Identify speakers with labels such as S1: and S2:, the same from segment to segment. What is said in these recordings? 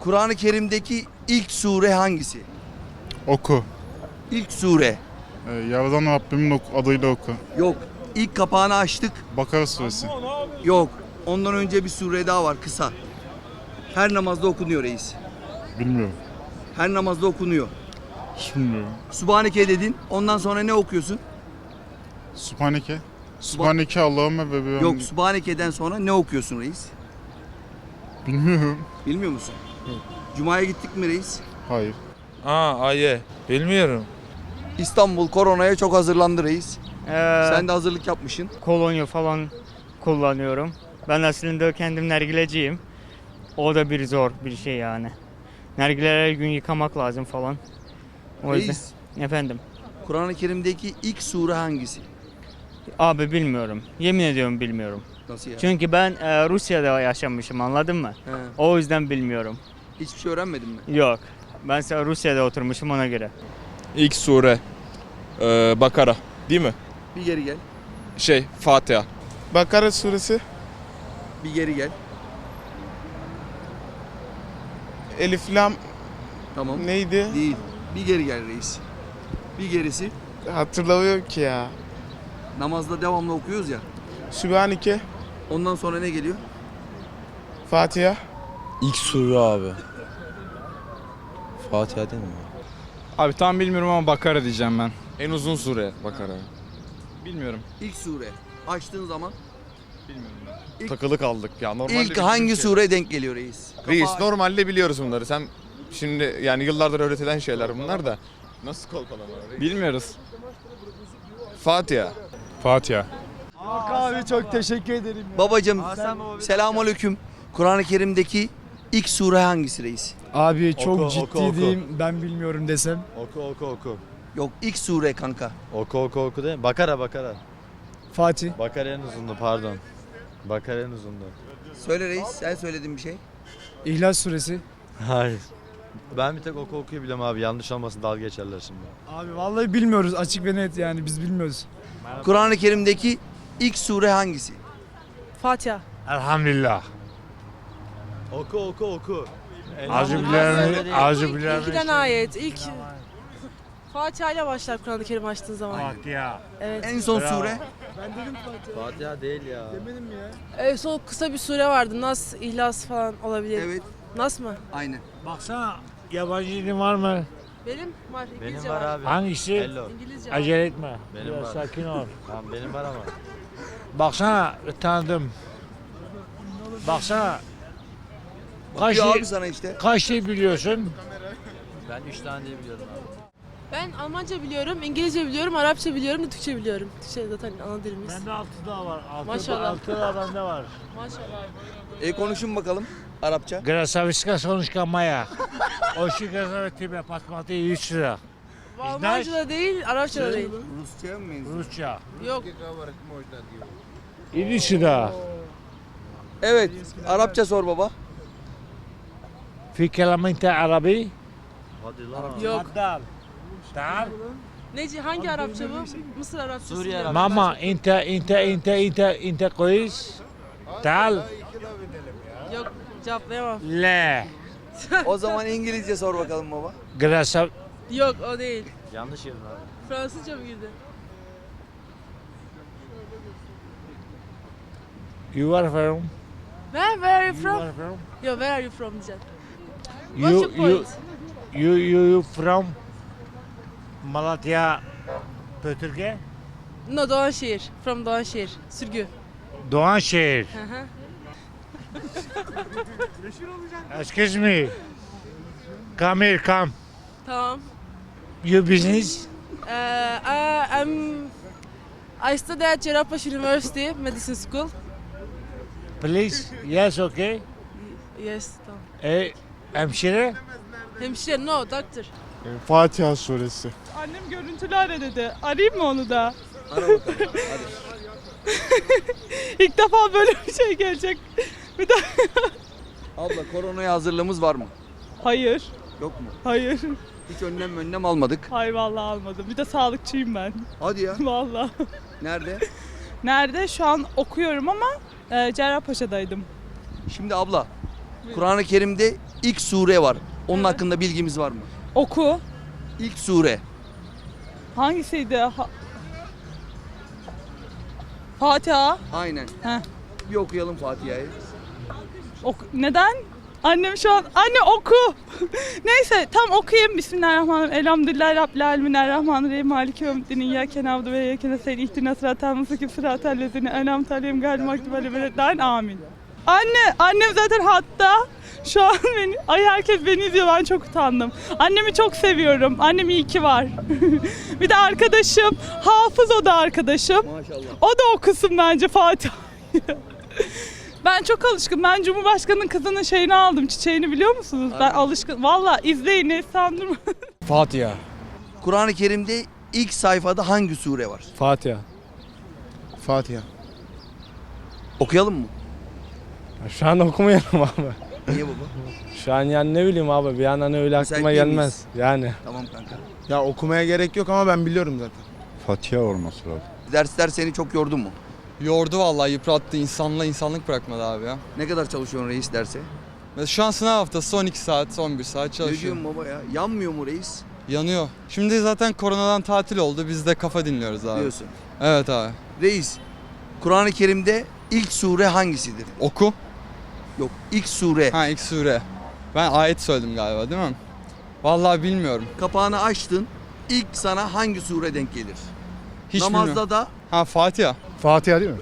S1: Kur'an-ı Kerim'deki ilk sure hangisi?
S2: Oku.
S1: İlk sure.
S2: Yaradan Rabbimin adıyla oku.
S1: Yok. İlk kapağını açtık.
S2: Bakara suresi.
S1: Yok. Ondan önce bir sure daha var kısa. Her namazda okunuyor reis.
S2: Bilmiyorum.
S1: Her namazda okunuyor.
S2: Bilmiyorum.
S1: Subhaneke dedin. Ondan sonra ne okuyorsun?
S2: Subhaneke. Subhaneke Allahümme ve bihamdike.
S1: Yok. Subhaneke'den sonra ne okuyorsun reis?
S2: Bilmiyorum.
S1: Bilmiyor musun? Cuma'ya gittik mi reis?
S2: Hayır.
S3: Aye. Bilmiyorum.
S1: İstanbul koronaya çok hazırlandı reis.
S4: Sen
S1: Sen de hazırlık yapmışsın.
S4: kolonya falan kullanıyorum. Ben aslında kendim nargileciyim. O da bir zor bir şey yani. Nargileleri her gün yıkamak lazım falan. O yüzden.
S1: Reis,
S4: Efendim.
S1: Kur'an-ı Kerim'deki ilk sure hangisi?
S4: Abi bilmiyorum. Yemin ediyorum bilmiyorum.
S1: Nasıl ya?
S4: Çünkü ben Rusya'da yaşamışım, anladın mı?
S1: He.
S4: O yüzden bilmiyorum.
S1: Hiçbir şey öğrenmedin mi?
S4: Yok. Ben Rusya'da oturmuşum, ona göre.
S3: İlk sure Bakara değil mi?
S1: Bir geri gel.
S3: Fatiha.
S5: Bakara suresi,
S1: Bir geri gel.
S5: Elif Lam
S1: Tamam.
S5: neydi?
S1: Değil. Bir geri gel reis. Bir gerisi.
S5: Hatırlamıyorum ki ya.
S1: Namazda devamlı okuyoruz ya.
S5: Sübhaneke,
S1: Ondan sonra ne geliyor?
S5: Fatiha,
S6: İlk sure abi. Fatiha değil mi?
S7: Abi tam bilmiyorum ama Bakara diyeceğim ben.
S3: En uzun sure Bakara.
S7: Bilmiyorum.
S1: İlk sure. Açtığın zaman
S6: Takılı kaldık ya. Normalde
S1: ilk hangi sure denk geliyor reis?
S6: Reis
S1: Kapağı-
S6: normalde biliyoruz bunları. Sen şimdi yani yıllardır öğretilen şeyler bunlar da. Nasıl kolpalama?
S7: Bilmiyoruz.
S6: Fatiha.
S7: Fatiha.
S8: Abi çok teşekkür ederim.
S1: Babacım selamünaleyküm. Kur'an-ı Kerim'deki ilk sure hangisi reis?
S8: Abi çok
S6: Oku,
S8: ciddi
S6: oku, oku.
S8: diyeyim, ben bilmiyorum desem.
S6: Oku.
S1: Yok ilk sure kanka.
S9: Oku değil mi? Bakara.
S8: Fatih.
S9: Bakara en uzundu pardon. Bakara en uzundu.
S1: Söyle reis, sen söyledin bir şey.
S8: İhlas suresi.
S9: Hayır. Ben bir tek okuyu biliyorum abi. Yanlış olmasın dalga geçerler şimdi.
S8: Abi vallahi bilmiyoruz, açık ve net yani biz bilmiyoruz.
S1: Kur'an-ı Kerim'deki ilk sure hangisi?
S10: Fatiha.
S7: Elhamdülillah.
S9: Oku.
S10: İlkiden ayet. İlk Fatiha ile başlar Kur'an-ı Kerim açtığın zaman.
S7: Fatiha.
S10: Evet.
S1: En son sure.
S9: Fatiha değil ya.
S10: Son kısa bir sure vardı. Nas, İhlas falan olabilir.
S1: Evet,
S10: Nas mı?
S1: aynen.
S7: Baksana yabancı dilin var mı?
S10: Benim var.
S9: Benim
S10: İngilizce
S9: var abi.
S7: Hangisi?
S9: Hello.
S10: İngilizce var.
S7: Acele etme.
S9: Benim
S7: Biraz
S9: var.
S7: sakin ol.
S9: Tamam benim var ama.
S7: Baksana tanıdım. Baksana. Kaç
S1: Bakıyor
S7: şey,
S1: abi sana işte.
S7: kaç şey biliyorsun?
S9: Ben 3 tane diye biliyorum abi.
S10: Ben Almanca biliyorum, İngilizce biliyorum, Arapça biliyorum da Türkçe biliyorum. Türkçe zaten ana dilimiz.
S7: Bende 6 daha var.
S10: Maşallah.
S7: 6 daha bende var.
S10: Maşallah.
S1: Konuşun bakalım Arapça.
S7: Grasaviska sonuçka maya. Oşi grasavetime patmati 3 lira.
S10: Almanca da değil, Arapça da değil.
S1: Rusça'ya mı benziyor?
S7: Rusça.
S10: Yok.
S7: 3 lira.
S1: Evet, Arapça sor baba.
S7: في كلام انت عربي؟
S9: Hadi lan.
S10: Yok.
S7: تعال تعال
S10: Neci hangi Arapça bu? Mısır Arapçası.
S9: Suriye
S10: mı?
S9: Arapçası.
S7: ماما انت كويس؟ تعال
S10: Yok, cevaplayamam.
S7: لا
S1: O zaman İngilizce sor bakalım baba.
S7: جراسة
S10: Yok, o değil.
S9: Yanlış yerin abi.
S10: Fransızca mı girdi?
S7: you are from
S10: Where are you
S7: you
S10: from?
S7: are from
S10: Yo, where are you from diyeceğim. What's your
S7: you
S10: point?
S7: you from Malatya Pötürge
S10: No, Doğanşehir. From Doğanşehir. Sürgü.
S7: Doğanşehir.
S10: Hı hı.
S7: Excuse me, come here, come.
S10: Tamam.
S7: You business?
S10: I study at Cerrahpaşa University Medicine School.
S7: Please, yes, okay.
S10: Yes, tamam.
S7: Hemşire?
S10: Hemşire, no, doctor.
S5: Fatiha suresi.
S11: Annem görüntülü ara dedi. Arayayım mı onu da?
S1: Ara bakalım. Hadi.
S11: İlk defa böyle bir şey gelecek. Bir de
S1: Abla koronaya hazırlığımız var mı?
S11: hayır,
S1: Yok mu?
S11: hayır.
S1: Hiç önlem almadık.
S11: Hayır vallahi almadım. Bir de sağlıkçıyım ben.
S1: Hadi ya.
S11: Vallahi.
S1: Nerede?
S11: Nerede? Şu an okuyorum ama Cerrahpaşa'daydım.
S1: Şimdi abla Kur'an-ı Kerim'de ilk sure var. Onun hakkında bilgimiz var mı?
S11: Oku.
S1: İlk sure.
S11: Hangisiydi? Fatiha.
S1: Aynen.
S11: Heh.
S1: Bir okuyalım Fatiha'yı.
S11: Neden? Annem şu an, anne oku. Neyse tam okuyayım. Bismillahirrahmanirrahim. Elhamdülillahi Rabbil alemin. Errahmanirrahim. Maliki yevmiddin. İyyâke na'budu ve iyyâke nestaîn. İhdina sıratal mustakîm. Sıratal lezîne en'amte aleyhim gayril mağdûbi aleyhim ve leddâllîn. Amin. Annem zaten hatta şu an herkes beni izliyor, ben çok utandım. Annemi çok seviyorum. Annem iyi ki var. Bir de arkadaşım, hafız o da arkadaşım.
S1: Maşallah.
S11: O da okusun bence Fatiha'yı. Ben çok alışkın. Ben Cumhurbaşkanı'nın kızının şeyini aldım, çiçeğini biliyor musunuz? Ben alışkın. Valla izleyin, ne sandırma.
S8: Fatiha.
S1: Kur'an-ı Kerim'de ilk sayfada hangi sure var?
S8: Fatiha.
S5: Fatiha.
S1: Okuyalım mı?
S8: Şu an okumayalım abi.
S1: Niye baba?
S8: Şu an yani ne bileyim abi, bir an hani öyle
S1: Müsait
S8: aklıma
S1: değil
S8: gelmez.
S1: miyiz?
S8: Yani.
S1: Tamam kanka.
S5: Ya okumaya gerek yok ama ben biliyorum zaten.
S2: Fatiha olması lazım.
S1: Dersler seni çok yordu mu?
S6: Yordu vallahi, yıprattı. İnsanlık bırakmadı abi ya.
S1: Ne kadar çalışıyorsun reis derse?
S6: Mesela şu an sınav haftası 12 saat, 11 saat
S1: Ne
S6: çalışıyorum.
S1: diyorsun baba ya? Yanmıyor mu reis?
S6: Yanıyor. Şimdi zaten koronadan tatil oldu. Biz de kafa dinliyoruz abi.
S1: Diyorsun.
S6: Evet abi.
S1: Reis, Kur'an-ı Kerim'de ilk sure hangisidir?
S6: Oku.
S1: Yok, ilk sure.
S6: Ha, ilk sure. Ben ayet söyledim galiba, değil mi? Vallahi bilmiyorum.
S1: Kapağını açtın, ilk sana hangi sure denk gelir?
S6: Hiç
S1: Namazda
S6: bilmiyorum.
S1: da
S6: Ha, Fatiha.
S8: Fatiha değil mi?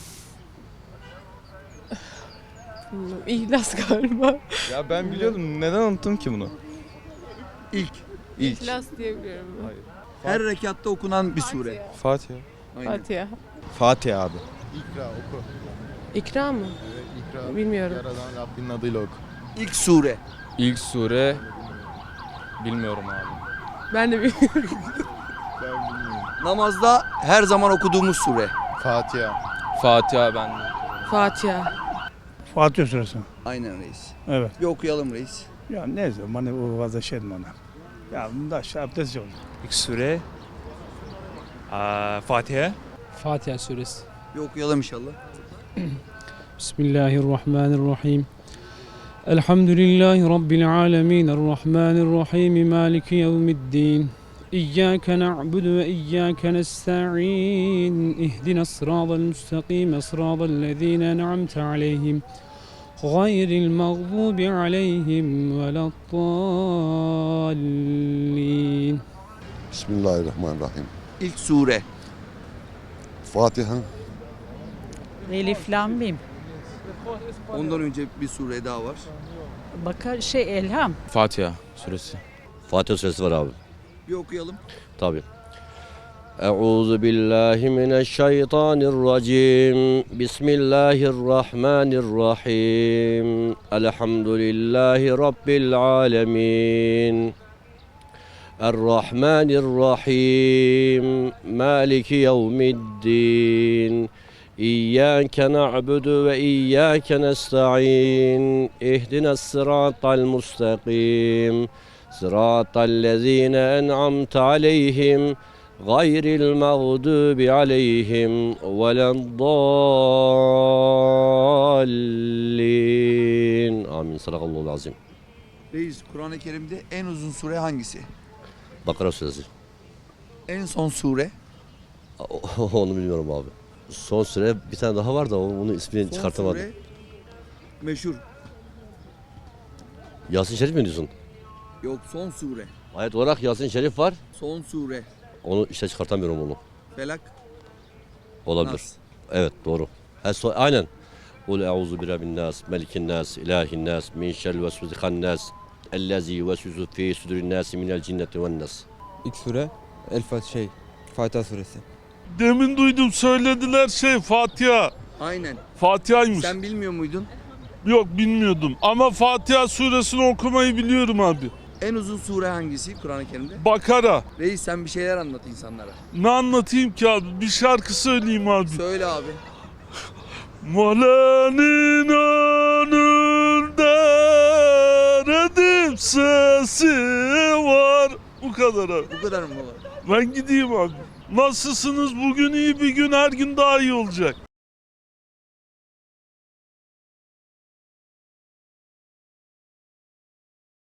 S10: İhlas galiba.
S3: Ya ben biliyordum. Neden unuttum ki bunu?
S1: ilk.
S10: İhlas diye biliyorum.
S1: Her rekatta okunan bir sure.
S3: Fatiha.
S1: Aynen.
S10: Fatiha.
S3: Fatiha abi.
S5: İkra oku.
S10: İkra mı?
S5: İkra.
S10: Bilmiyorum.
S5: Yaradan Rabbinin adıyla oku.
S1: İlk sure.
S3: İlk sure bilmiyorum abi.
S10: Ben de bilmiyorum.
S5: Ben bilmiyorum.
S1: Namazda her zaman okuduğumuz sure.
S5: Fatiha.
S3: Fatiha ben.
S10: Fatiha.
S8: Fatiha suresi.
S1: Aynen reis.
S8: Evet.
S1: Bir okuyalım reis.
S8: Ya ne zaman o fazla şey bana. Ya bunda şey abdest yok.
S3: İlk sure Fatiha.
S12: Fatiha suresi.
S1: Bir okuyalım inşallah.
S12: Bismillahirrahmanirrahim. Elhamdülillahi Rabbil alemin. Errahmanirrahim. Maliki yevmiddin. İyyâke na'budu ve iyyâke nesta'in. İhdina sıratal müstakîm. Sıratal lezîne en'amte aleyhim. Gayril mağdubi aleyhim veleddallin.
S13: Bismillahirrahmanirrahim.
S1: İlk sure.
S13: Fatiha.
S11: Elif lam mim.
S1: Ondan önce bir sure daha var.
S11: Elham.
S3: Fatiha suresi.
S9: Fatiha suresi var abi.
S1: Bir okuyalım.
S9: Tabii. Euzu billahi mineşşeytanirracim. Bismillahirrahmanirrahim. Elhamdülillahi Rabbil alemin. Errahmanirrahim. Maliki yevmiddin. İyyâke na'budu ve iyyâke nesta'in. İhdina sıratal mustakîm. Sıratal lezîne en'amte aleyhim. Gayril mağdubi aleyhim veleddallin. Amin. Sadakallahu azim.
S1: Reis, Kur'an-ı Kerim'de en uzun sure hangisi?
S9: Bakara suresi.
S1: En son sure.
S9: Onu bilmiyorum abi. Son süre bir tane daha var da onun ismini
S1: Son
S9: çıkartamadım.
S1: sure meşhur.
S9: Yasin Şerif mi diyorsun?
S1: Yok, son sure.
S9: Ayet olarak Yasin Şerif var.
S1: Son sure.
S9: Onu işte çıkartamıyorum onu.
S1: Felak.
S9: Olabilir.
S1: Nas.
S9: Evet doğru. Aynen. Kul euzu bi rabbin nas, melikin nas, ilahin nas, min şerril vesvesikan nas, ellezî yuvesvisu fî sudurin nas minel cinneti ven nas.
S6: İlk sure Fatiha suresi.
S2: Demin duydum söylediler Fatiha.
S1: Aynen.
S2: Fatiha'ymış.
S1: Sen bilmiyor muydun?
S2: Yok bilmiyordum ama Fatiha suresini okumayı biliyorum abi.
S1: En uzun sure hangisi Kur'an-ı Kerim'de?
S2: Bakara.
S1: Reis, sen bir şeyler anlat insanlara.
S2: Ne anlatayım ki abi? Bir şarkı söyleyeyim abi.
S1: Söyle abi.
S2: Molanın önünde redim sesi var. Bu kadar abi.
S1: Bu kadar mı baba?
S2: Ben gideyim abi. Nasılsınız? Bugün iyi bir gün, her gün daha iyi olacak.